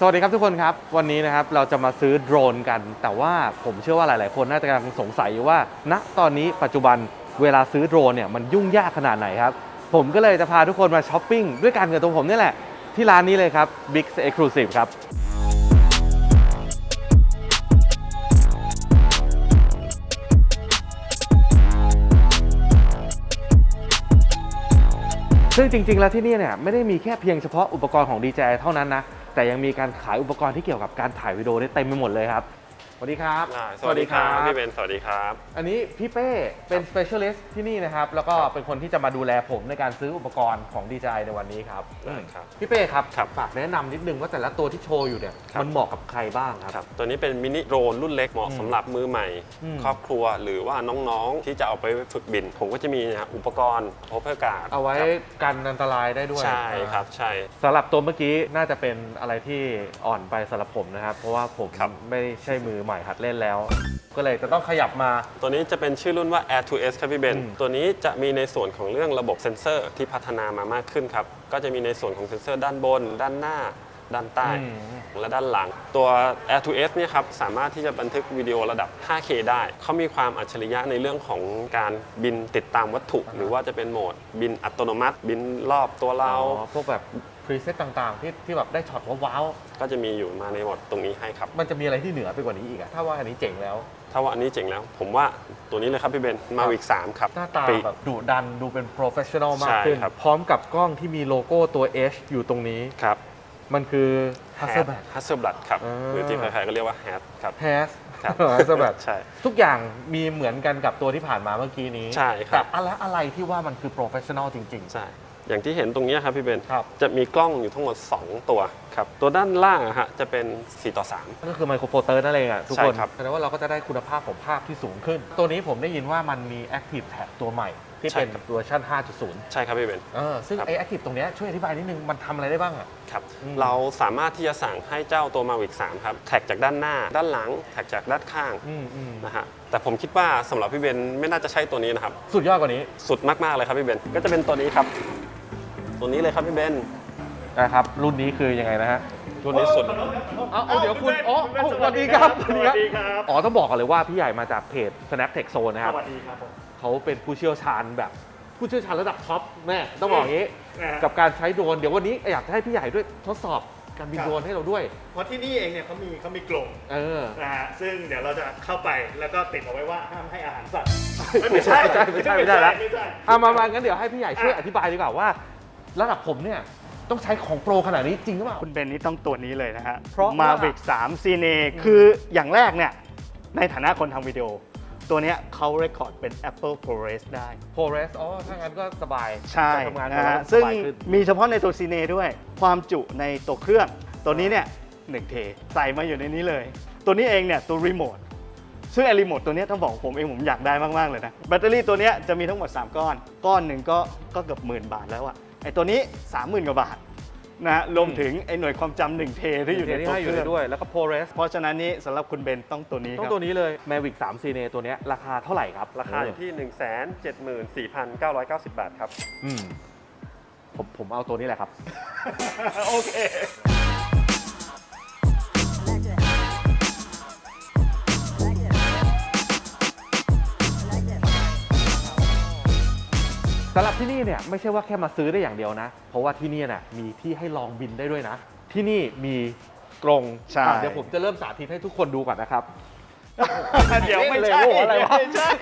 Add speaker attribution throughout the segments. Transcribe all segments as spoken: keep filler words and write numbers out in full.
Speaker 1: สวัสดีครับทุกคนครับวันนี้นะครับเราจะมาซื้อโดรนกันแต่ว่าผมเชื่อว่าหลายๆคนน่าจะกำลังสงสัยอยู่ว่าณตอนนี้ปัจจุบันเวลาซื้อโดรนเนี่ยมันยุ่งยากขนาดไหนครับผมก็เลยจะพาทุกคนมาช้อปปิ้งด้วยกันกับตัวผมนี่แหละที่ร้านนี้เลยครับ Bix Exclusive ครับซึ่งจริงๆแล้วที่นี่เนี่ยไม่ได้มีแค่เพียงเฉพาะอุปกรณ์ของ ดี เจ ไอ เท่านั้นนะแต่ยังมีการขายอุปกรณ์ที่เกี่ยวกับการถ่ายวิดีโอได้เต็มไปหมดเลยครับสวัสดีครับ
Speaker 2: สวัสดีครับพี่เบนสวัสดีครับ
Speaker 1: อันนี้พี่เป้เป็น specialist ที่นี่นะครับแล้วก็เป็นคนที่จะมาดูแลผมในการซื้ออุปกรณ์ของ ดี เจ ไอ ในวันนี้ครับได้ครับพี่เป้ครับฝากแนะนำนิดนึงว่าแต่ละตัวที่โชว์อยู่เนี่ยมันเหมาะกับใครบ้างครับ
Speaker 2: ตัวนี้เป็นมินิโดรนรุ่นเล็กเหมาะสำหรับมือใหม่ครอบครัวหรือว่าน้องๆที่จะเอาไปฝึกบินผมก็จะมีอุปกรณ์โอเวอร์การ์ด
Speaker 1: เอาไว้กันอันตรายได้ด้วย
Speaker 2: ใช่ครับใช่
Speaker 1: สำหรับตัวเมื่อกี้น่าจะเป็นอะไรที่อ่อนไปสำหรับผมนะครับเพราะว่าผมไม่ใช่มือใหม่หัดเล่นแล้วก็เลยจะต้องขยับมา
Speaker 2: ตัวนี้จะเป็นชื่อรุ่นว่า Air ทู เอส ครับพี่เบนตัวนี้จะมีในส่วนของเรื่องระบบเซ็นเซอร์ที่พัฒนามามากขึ้นครับก็จะมีในส่วนของเซ็นเซอร์ด้านบนด้านหน้าด้านใต้และด้านหลังตัว Air ทู เอส เนี่ยครับสามารถที่จะบันทึกวิดีโอระดับ ไฟว์เค ได้เขามีความอัจฉริยะในเรื่องของการบินติดตามวัตถุหรือว่าจะเป็นโหมดบินอัตโนมัติบินรอบตัวเรา
Speaker 1: พวกแบบพรีเซตต่างๆที่ที่แบบได้ช็อตว้าว
Speaker 2: ๆก็จะมีอยู่มาในโหมดตรงนี้ให้ครับ
Speaker 1: มันจะมีอะไรที่เหนือไปกว่านี้อีกอะถ้าว่าอันนี้เจ๋งแล้ว
Speaker 2: ถ้าว่าอันนี้เจ๋งแล้วผมว่าตัวนี้เลยครับพี่เบนมาวิกสามครับ
Speaker 1: หน้าตาแบบดุดันดูเป็นโปรเฟชชั่นอลมากขึ้นพร้อมกับกล้องที่มีโลโก้ตัว H อยู่ตรงนี้
Speaker 2: ครับ
Speaker 1: มันคือ Hasselblad
Speaker 2: Hasselblad ครับหรือที่ใครๆก็เรียกว่า Has ครับ
Speaker 1: Has Hasselblad
Speaker 2: ใช่
Speaker 1: ทุกอย่างมีเหมือนกันกับตัวที่ผ่านมาเมื่อกี้นี้
Speaker 2: ใช่ครับ
Speaker 1: แต่อะไรอะไรที่ว่ามันคือโปรเฟชชั่นอลจริง
Speaker 2: ๆใช่อย่างที่เห็นตรงนี้ครับพี่เบน
Speaker 1: ครับ
Speaker 2: จะมีกล้องอยู่ทั้งหมดสองตัวครับตัวด้านล่างอะฮะจะเป็นสี่ต่อสาม
Speaker 1: ก็คือไมโครโฟเตอร์นั่นเองอะทุกคน
Speaker 2: ใช่ครับ
Speaker 1: แสดงว่าเราก็จะได้คุณภาพของภาพที่สูงขึ้นตัวนี้ผมได้ยินว่ามันมี Active Tag ตัวใหม่ที่เป็นเวอร์ชัน ห้าจุดศูนย์
Speaker 2: ใช่ครับพี่เบน
Speaker 1: เออซึ่งไอ้ Active ตรงนี้ช่วยอธิบายนิดนึงมันทำอะไรได้บ้างอะ
Speaker 2: ครับเราสามารถที่จะสั่งให้เจ้าตัว Mavic สามครับแท็กจากด้านหน้าด้านหลังแท็กจากด้านข้างนะฮะแต่ผมคิดว่าสำหรับพี่เบนไม่น่าจะใช่ตัวนี้นะครับ
Speaker 1: สุดยอดกว่านี้
Speaker 2: สุดมากๆเลยครับพี่เบนก็จะเป็นตัวนี้ครับตัวนี้เลยครับพี่เบน
Speaker 1: นะครับรุ่นนี้คือยังไงนะฮะ
Speaker 2: รุ่นนี้สุด
Speaker 1: เอาเดี๋ยวคุณอ๋อสวัสดีครับสวัสดีครับอ๋อต้องบอกก่อนเลยว่าพี่ใหญ่มาจากเพจ Snap Tech Zone นะครับ
Speaker 3: สวัสดีครับผม
Speaker 1: เขาเป็นผู้เชี่ยวชาญแบบผู้เชี่ยวชาญระดับท็อปแม่ต้องบอกอย่างนี้กับการใช้โดรนเดี๋ยววันนี้อยากให้พี่ใหญ่ด้วยทดสอบการบินโดรนให้เราด้วย
Speaker 3: เพราะที่นี่เองเนี่ยเขามีเขามีกรง
Speaker 1: เออ
Speaker 3: นะฮะซึ่งเดี๋ยวเราจะเข้าไปแล้วก็ติดเอาไว้ว่าห้ามให้อาหารสัตว์
Speaker 1: ไม่ใช่ไม่ใช่ไม่ใช่ไม่ใช่แล้วเอามามางั้นเดี๋ยวให้พี่ใหญ่ช่วยอธิบายดีกว่าว่าระดับผมเนี่ยต้องใช้ของโปรขนาดนี้จริงหรือเปล่า
Speaker 3: คุณเบนนี่ต้องตัวนี้เลยนะฮะ
Speaker 1: เพราะ
Speaker 3: Mavic สาม Cine คืออย่างแรกเนี่ยในฐานะคนทำวิดีโอตัวนี้เขาเรคคอร์ดเป็น Apple ProRes ได้
Speaker 1: ProRes อ๋อถ้างั้นก็สบาย
Speaker 3: ใช่นะฮะซึ่งมีเฉพาะในตัว Cine ด้วยความจุในตัวเครื่องตัวนี้เนี่ยหนึ่งเทใส่มาอยู่ในนี้เลยตัวนี้เองเนี่ยตัวรีโมทซึ่งไอรีโมทตัวนี้ต้องบอกผมเองผมอยากได้มากๆเลยนะแบตเตอรี่ตัวนี้จะมีทั้งหมดสามก้อนก้อนหนึ่งก็ก็เกือบหมื่นบาทแล้วอะไอตัวนี้ สามหมื่น กว่าบาทนะรวมถึงไอหน่วยความจำหนึ่งเทที่อยู่ในตัวเครื่อง
Speaker 1: ด้วยแล้วก็ ProRes
Speaker 3: เพราะฉะนั้นนี้สำหรับคุณเบนต้องตัวนี้
Speaker 1: ต้องตัวนี้เลย Mavic สาม Cine ตัวนี้ราคาเท่าไหร่ครับ
Speaker 2: ราคาอยู่ที่ หนึ่งแสนเจ็ดหมื่นสี่พันเก้าร้อยเก้าสิบ บาทครับ
Speaker 1: อืมผมผมเอาตัวนี้แหละครับ
Speaker 3: โอเค
Speaker 1: สำหรับที่นี่เนี่ยไม่ใช่ว่าแค่มาซื้อได้อย่างเดียวนะเพราะว่าที่นี่เนี่ยมีที่ให้ลองบินได้ด้วยนะที่นี่มีกรง
Speaker 3: ใช่
Speaker 1: เดี๋ยวผมจะเริ่มสาธิตให้ทุกคนดูก่อนนะครับ
Speaker 3: เดี๋ยวไม่ใช่
Speaker 1: อะไรวะ
Speaker 3: ไม่ใช่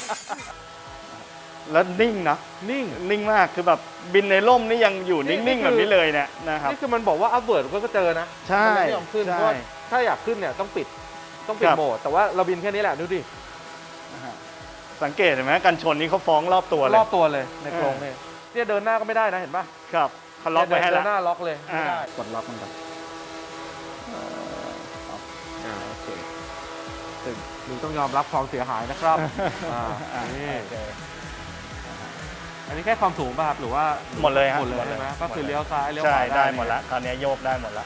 Speaker 3: แล้วนิ่งนะ
Speaker 1: นิ่ง
Speaker 3: นิ่งมากคือแบบบินในร่มนี่ยังอยู่นิ่งๆแบบนี้เลยเนี่ยนะครับ
Speaker 1: นี่คือมันบอกว่าอัพเวิร์ดก็เจอนะ
Speaker 3: ใช่
Speaker 1: ไม่ยอมขึ้นเพราะถ้าอยากขึ้นเนี่ยต้องปิดต้องปิดโหมดแต่ว่าเราบินแค่นี้แหละดูดิ
Speaker 3: สังเกตเห็นไหมกันชนนี้เขาฟ้องรอบตัวเลย
Speaker 1: รอบตัวเลยในกรงเนี่ยเนี่ยเดินหน้าก็ไม่ได้นะเห็นป่ะ
Speaker 3: ครับเขาล็อกไว้ให้แล้ว
Speaker 1: เดินหน้าล็อกเลยไม่ได้
Speaker 3: กดล็อกมันก่อน
Speaker 1: อ่าโอเคซึ่งมึงต้องยอมรับความเสียหายนะครับอ่านี่อันนี้แค่ความสูงป่ะครับหรือว่า
Speaker 3: หมดเลยฮะ
Speaker 1: หมดเลยใช่ไหมก็คือเลี้ยวซ้ายเลี้ยวขวา
Speaker 3: ได้หมดแล้วคราวนี้โยกได้หมดแล้ว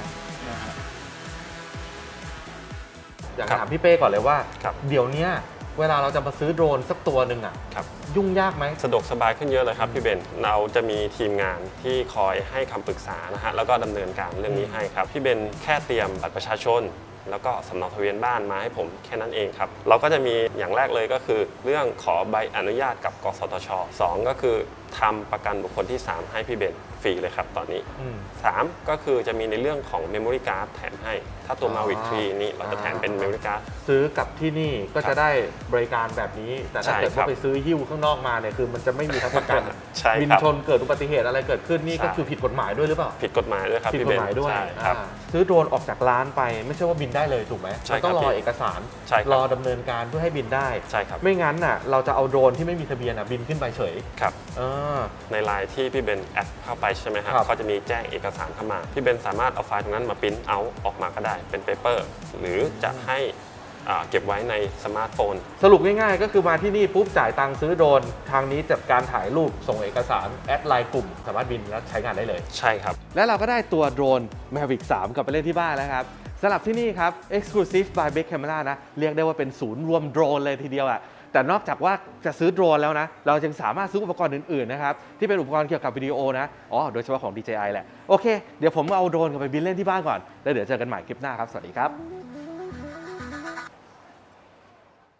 Speaker 1: อยากถามพี่เป้ก่อนเลยว่าเดี๋ยวนี้เวลาเราจะมาซื้อโดรนสักตัวหนึ่งอ่ะ
Speaker 2: ครับ
Speaker 1: ยุ่งยากไหม
Speaker 2: สะดวกสบายขึ้นเยอะเลยครับพี่เบนเราจะมีทีมงานที่คอยให้คำปรึกษานะฮะแล้วก็ดำเนินการเรื่องนี้ให้ครับพี่เบนแค่เตรียมบัตรประชาชน แล้วก็สำเนาทะเบียนบ้านมาให้ผมแค่นั้นเองครับเราก็จะมีอย่างแรกเลยก็คือ เรื่องขอใบอนุญาตกับกสทชสองก็คือทำประกันบุคคลที่สามให้พี่เบนฟรีเลยครับตอนนี้
Speaker 1: อืม
Speaker 2: สามก็คือจะมีในเรื่องของ Memory Card แถมให้ ถ้าตัว
Speaker 1: อ๋อ
Speaker 2: Mavic ทรีนี่เราจะแถมเป็น Memory Card
Speaker 1: ซื้อกับที่นี่ก็จะได้บริการแบบนี้ แต่ถ้า
Speaker 2: ใช่
Speaker 1: เกิด
Speaker 2: ครั
Speaker 1: ว่า
Speaker 2: บ
Speaker 1: ไปซื้อหิ้วข้างนอกมาเนี่ยคือมันจะไม่มีทั้งประกัน
Speaker 2: ใช่ครับ
Speaker 1: บินชนเกิดอุบัติเหตุอะไรเกิดขึ้นนี่ก็
Speaker 2: ใช่
Speaker 1: คือผิดกฎหมายด้วยหรือเปล่า
Speaker 2: ผิดกฎหมายด้วยครับ
Speaker 1: ผิด
Speaker 2: พี่
Speaker 1: ก
Speaker 2: เบ
Speaker 1: ฎ
Speaker 2: น
Speaker 1: หมายด้วย
Speaker 2: ใช่ครับ
Speaker 1: อ่าซื้อโดรนออกจากร้านไปไม่ใช่ว่าบินได้เลยถูกไหม
Speaker 2: ใช่
Speaker 1: มันต้อง
Speaker 2: ครับ
Speaker 1: รอ
Speaker 2: พี่
Speaker 1: เอกสาร
Speaker 2: ใช่ครับ
Speaker 1: รอดำเนินการเพื่อให้บินได้
Speaker 2: ใช่ครับ
Speaker 1: ไม่งั้นน่ะเราจะเอาโดรนที่ไม่มีทะเบียนอ่ะบินขึ้นไปเฉย
Speaker 2: ครับ
Speaker 1: เออ
Speaker 2: ในไลน์ที่พี่เบนแอดเข้าไปใช่ไหมครับ
Speaker 1: ครับ
Speaker 2: เขาจะมีแจ้งเอกสารเข้ามา พี่เบนสามารถเอาไฟล์ตรงนั้นมาปริ้นเอาออกมาก็ได้เป็นเปเปอร์หรือจะให้อ่าเก็บไว้ในสมาร์ทโฟน
Speaker 1: สรุปง่ายๆ ก็คือมาที่นี่ปุ๊บจ่ายตังค์ซื้อโดรนทางนี้จัดการถ่ายรูปส่งเอกสารแอดไลน์กลุ่มสามารถบินแล้วใช้งานได้เลย
Speaker 2: ใช่ครับ
Speaker 1: และเราก็ได้ตัวโดรน Mavic สามกลับไปเล่นที่บ้านแล้วครับสำหรับที่นี่ครับ Exclusive by Beck Camera นะ เรียกได้ว่าเป็นศูนย์รวมโดรนเลยทีเดียวอะแต่นอกจากว่าจะซื้อโดรนแล้วนะ เรายังสามารถซื้ออุปกรณ์อื่นๆนะครับ ที่เป็นอุปกรณ์เกี่ยวกับวิดีโอนะ อ๋อ โดยเฉพาะของ ดี เจ ไอ แหละ โอเค เดี๋ยวผมเอาโดรนกลับไปบินเล่นที่บ้านก่อน แล้วเดี๋ยวเจอกันใหม่คลิปหน้าครับ สวัสดีครับ